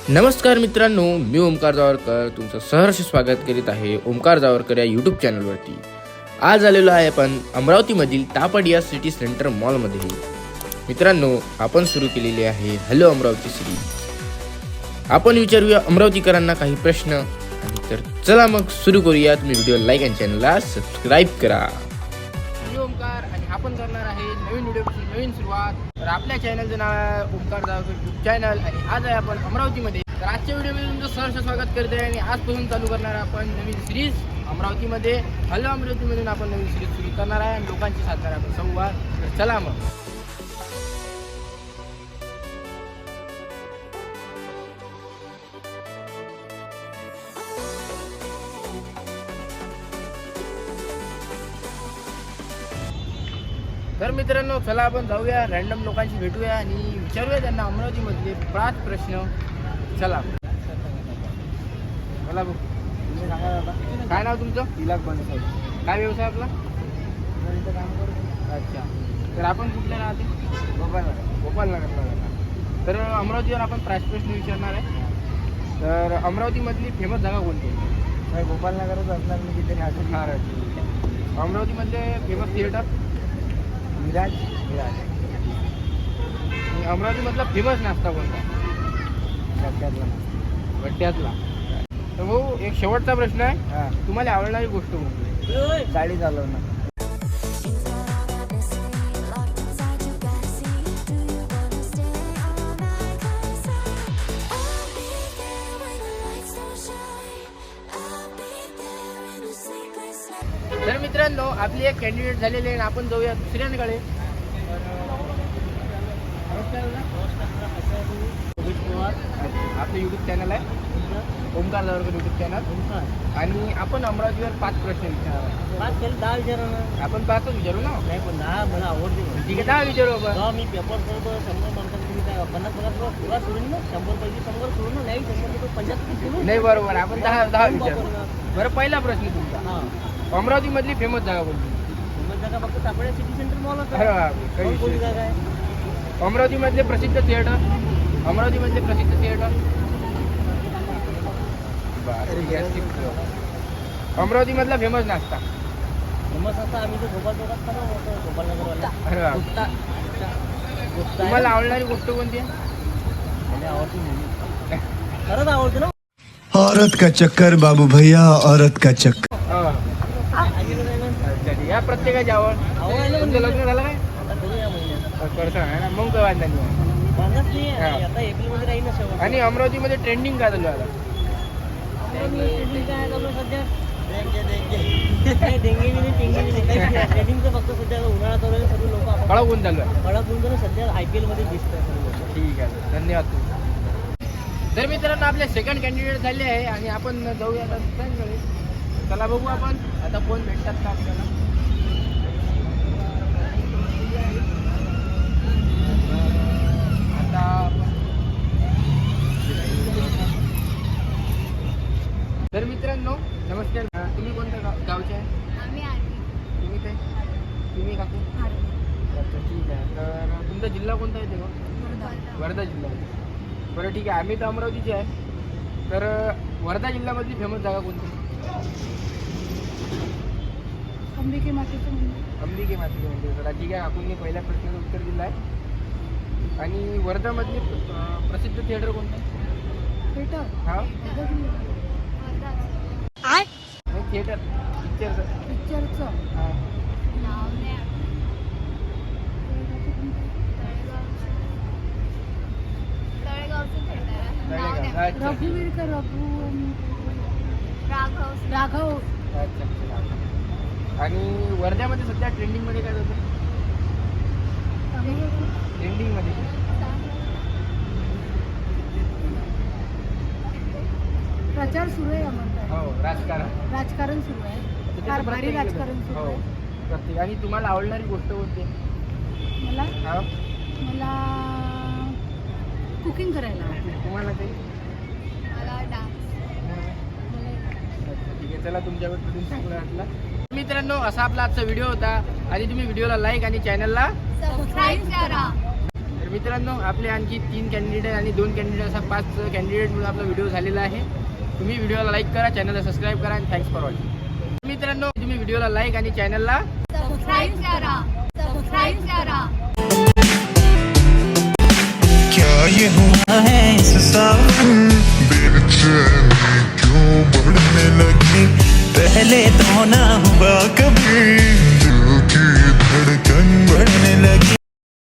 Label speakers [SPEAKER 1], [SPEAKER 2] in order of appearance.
[SPEAKER 1] नमस्कार मित्रांनो, मी ओमकार जावरकर तुमचं सहर्ष स्वागत करीत आहे ओमकार जावरकर या यूट्यूब चॅनलवरती. आज आलेलो आहे आपण अमरावतीमधील तापडिया सिटी सेंटर मॉलमध्ये. मित्रांनो, आपण सुरू केलेली आहे हॅलो अमरावती सिरीज. आपण विचारूया अमरावतीकरांना काही प्रश्न. आणि तर चला मग सुरू करूया. तुम्ही व्हिडिओ लाईक आणि चॅनलला सबस्क्राईब करा. मी ओमकार आणि आपण करणार आहे नवीन व्हिडिओची नवीन सुरुवात. तर आपल्या चॅनलचं नाव आहे ओमकार जावरकर यूट्यूब चॅनल आणि आज आहे आपण अमरावतीमध्ये. तर आजच्या व्हिडिओमध्ये तुमचं सहर्ष स्वागत करते आणि आजपासून चालू करणार आपण नवीन सिरीज अमरावतीमध्ये. हॅलो अमरावतीमधून आपण नवीन सिरीज सुरू करणार आहे आणि लोकांची साधणार आपण संवाद. तर चला मग. तर मित्रांनो, चला आपण जाऊया, रॅन्डम लोकांशी भेटूया आणि विचारूया त्यांना अमरावतीमधले 5 प्रश्न. चला बोला भाऊ.
[SPEAKER 2] तुम्ही सांगा दादा.
[SPEAKER 1] काय नाव तुमचं?
[SPEAKER 2] तिलाक बनसाई.
[SPEAKER 1] काय व्यवसाय आपला?
[SPEAKER 2] इथं काम करतो.
[SPEAKER 1] अच्छा. तर आपण कुठल्या राहते?
[SPEAKER 2] गोपालनगरला
[SPEAKER 1] जाणार. तर अमरावतीवर आपण प्रश्न विचारणार आहे. तर अमरावतीमधली फेमस जागा कोणती आहे?
[SPEAKER 2] नाही, गोपालनगरच असणार मी तिथे राहतो.
[SPEAKER 1] अमरावतीमधले फेमस थिएटर?
[SPEAKER 2] विराज.
[SPEAKER 1] अमरावतीमधला फेमस नाश्ता कोणता?
[SPEAKER 2] गड्ड्यातला.
[SPEAKER 1] गड्ड्यातला. तर भाऊ, एक शेवटचा प्रश्न आहे.
[SPEAKER 2] हां.
[SPEAKER 1] तुम्हाला आवडणारी गोष्ट कोणती?
[SPEAKER 2] गाडी चालवणं.
[SPEAKER 1] तर मित्रांनो, आपली एक कॅन्डिडेट झालेली आहे. आपण जाऊया दुसऱ्यांकडे. आपलं यूट्यूब चॅनल आहे ओमकार जावरकर यूट्यूब चॅनल. आणि आपण अमरावतीवर 5 प्रश्न विचारणार.
[SPEAKER 2] 10 विचारा ना.
[SPEAKER 1] आपण 5च विचारू ना.
[SPEAKER 2] नाही, पण 10 मला आवडते.
[SPEAKER 1] ठीक आहे, 10 विचारू आपण.
[SPEAKER 2] जेव्हा मी पेपर करतो 100 मार्कात तुम्ही काय 50 पुरा सोडून ना, 100 पैकी 100 सोडून ना, नाही 100 75 सोडून.
[SPEAKER 1] नाही, बरोबर. आपण 10 विचारू. बरं, पहिला प्रश्न तुमचा.
[SPEAKER 2] हां.
[SPEAKER 1] अमरावतीमधली फेमस जागा कोणती?
[SPEAKER 2] फेमस जागा फक्त तापडिया सिटी सेंटर मॉल होता.
[SPEAKER 1] अरे बापरे, काही
[SPEAKER 2] कोणती
[SPEAKER 1] विषय
[SPEAKER 2] जागा आहे?
[SPEAKER 1] अमरावतीमधले प्रसिद्ध थिएटर? अमरावतीमधले प्रसिद्ध थिएटर? अमरावतीमधला फेमस नाश्ता?
[SPEAKER 2] फेमस असता आम्ही तो गोपाल चौकात खातो होतो, गोपालनगरवाला.
[SPEAKER 1] अरे बापरे.
[SPEAKER 2] गुप्ता
[SPEAKER 1] तुम्हाला आवडणारी गोष्ट कोणती आहे?
[SPEAKER 2] मला आवडते मुली. खरंच आवडते ना.
[SPEAKER 3] औरत का चक्कर बाबू भैया, औरत का चक्कर.
[SPEAKER 1] अच्छा, ठीक आहे. प्रत्येकाची आवड. तुमचं लग्न झालं काय?
[SPEAKER 2] आता करू या महिन्यात.
[SPEAKER 1] करता आहे ना, मग काय वाटलं नाही.
[SPEAKER 2] मागच नाही
[SPEAKER 1] हा.
[SPEAKER 2] आता एप्रिलमध्ये राहील ना शेवट.
[SPEAKER 1] आणि अमरावतीमध्ये ट्रेंडिंग काय चालू आहे आता?
[SPEAKER 2] ट्रेडिंग काय चालू आहे सध्या? नाही, डेंगी बी नाही, टेंगी बी नाही. ट्रेडिंगचं फक्त सध्या उन्हाळा चालू आहे, सर्व लोक
[SPEAKER 1] कळा कोण चालू आहे?
[SPEAKER 2] कडक होऊन ना सध्या IPL मध्ये दिसतात सर्व लोक.
[SPEAKER 1] ठीक आहे, धन्यवाद तुम्ही. तर मित्रांनो, आपले सेकंड कॅन्डिडेट झाले आहे आणि आपण जाऊया आता दुसऱ्यांकडे. चला बघू आपण आता कोण भेटतात का आपल्याला. आता तर मित्रांनो, नमस्कार. तुम्ही कोणत्या गावचे आहे? तुम्ही काय? तुम्ही काकू? अच्छा, ठीक आहे. तर तुमचा जिल्हा कोणता आहे तेव्हा? वर्धा जिल्हा. बरं, ठीक आहे. आम्ही तर अमरावतीचे आहे. तर वर्धा जिल्ह्यामधली फेमस जागा कोणती?
[SPEAKER 4] अंबिके मातेचं मंदिर.
[SPEAKER 1] अंबिके मातेचे मंदिर. तर ठीक आहे, आपण पहिल्या प्रश्नाचं उत्तर दिलं आहे. आणि वर्धामधली प्रसिद्ध थिएटर कोणतं आहे?
[SPEAKER 4] थिएटर.
[SPEAKER 1] हा,
[SPEAKER 4] आय
[SPEAKER 1] नाही, थिएटर पिक्चरचं.
[SPEAKER 4] पिक्चरचं
[SPEAKER 1] हां. अच्छा.
[SPEAKER 4] रघुवीर का राघव.
[SPEAKER 1] अच्छा, अच्छा. आणि वर्ध्यामध्ये सध्या ट्रेंडिंगमध्ये काय होतं? ट्रेंडिंगमध्ये
[SPEAKER 4] प्रचार सुरू आहे म्हणतात.
[SPEAKER 1] हो, राजकारण.
[SPEAKER 4] राजकारण सुरू आहे.
[SPEAKER 1] त्याच्यात
[SPEAKER 4] भारी
[SPEAKER 1] प्रत्येक
[SPEAKER 4] राजकारण सुरू
[SPEAKER 1] हो,
[SPEAKER 4] आहे.
[SPEAKER 1] प्रत्येक. आणि तुम्हाला आवडणारी गोष्ट कोणती आहे?
[SPEAKER 4] मला
[SPEAKER 1] हा,
[SPEAKER 4] मला कुकिंग करायला आवडतं.
[SPEAKER 1] तुम्हाला काही? अच्छा, ठीक आहे. चला, तुमच्याकडून चांगलं वाटलं. मित्रांनो, असा आपला आजचा व्हिडिओ होता आणि तुम्ही व्हिडिओला लाईक आणि चॅनलला
[SPEAKER 4] सबस्क्राईब करा.
[SPEAKER 1] तर मित्रांनो आपले आणखी 3 कॅन्डिडेट आणि 2 कॅन्डिडेट असा 5 कॅन्डिडेट म्हणून आपला व्हिडिओ झालेला आहे. तुम्ही व्हिडिओला लाईक करा, चॅनलला सबस्क्राईब करा आणि थँक्स फॉर वॉचिंग. मित्रांनो तुम्ही व्हिडिओला लाईक आणि चॅनलला
[SPEAKER 4] सबस्क्राईब करा. सबस्क्राईब करा.
[SPEAKER 5] क्या ये हुआ है इस सावन बेचैनी क्यों बढ़ने लगी पहले तो ना हुआ कभी